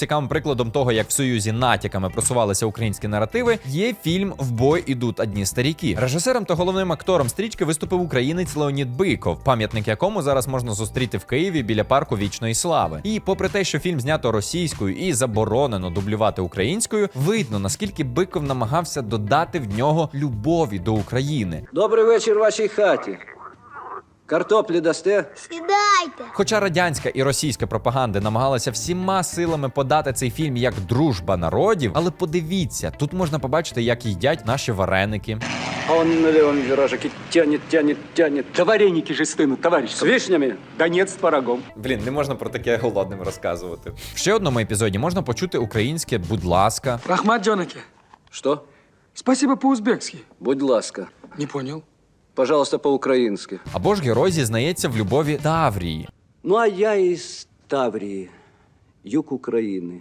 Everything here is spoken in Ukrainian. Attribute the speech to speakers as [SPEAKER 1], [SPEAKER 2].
[SPEAKER 1] Цікавим прикладом того, як в Союзі натяками просувалися українські наративи, є фільм «В бой ідуть одні старіки». Режисером та головним актором стрічки виступив українець Леонід Биков, пам'ятник якому зараз можна зустріти в Києві біля парку Вічної Слави. І попри те, що фільм знято російською і заборонено дублювати українською, видно, наскільки Биков намагався додати в нього любові до України.
[SPEAKER 2] Добрий вечір вашій хаті. Картоплі дасте?
[SPEAKER 3] Сідайте.
[SPEAKER 1] Хоча радянська і російська пропаганди намагалися всіма силами подати цей фільм як дружба народів, але подивіться, тут можна побачити, як їдять наші вареники.
[SPEAKER 2] А он на левом виражике тянет.
[SPEAKER 4] Да вареники же стынут, товарищ.
[SPEAKER 2] С вишнями?
[SPEAKER 4] Да нет, с творогом.
[SPEAKER 1] Блін, не можна про таке голодним розказувати. В ще одному епізоді можна почути українське «будь ласка».
[SPEAKER 5] Рахмат Джонаки.
[SPEAKER 2] Что?
[SPEAKER 5] Спасибо по-узбекски.
[SPEAKER 2] Будь ласка.
[SPEAKER 5] Не понял.
[SPEAKER 2] Пожалуйста, по-украински.
[SPEAKER 1] Або ж герой зізнається в любові Таврії.
[SPEAKER 2] Ну, а я из Таврии, юг Украины.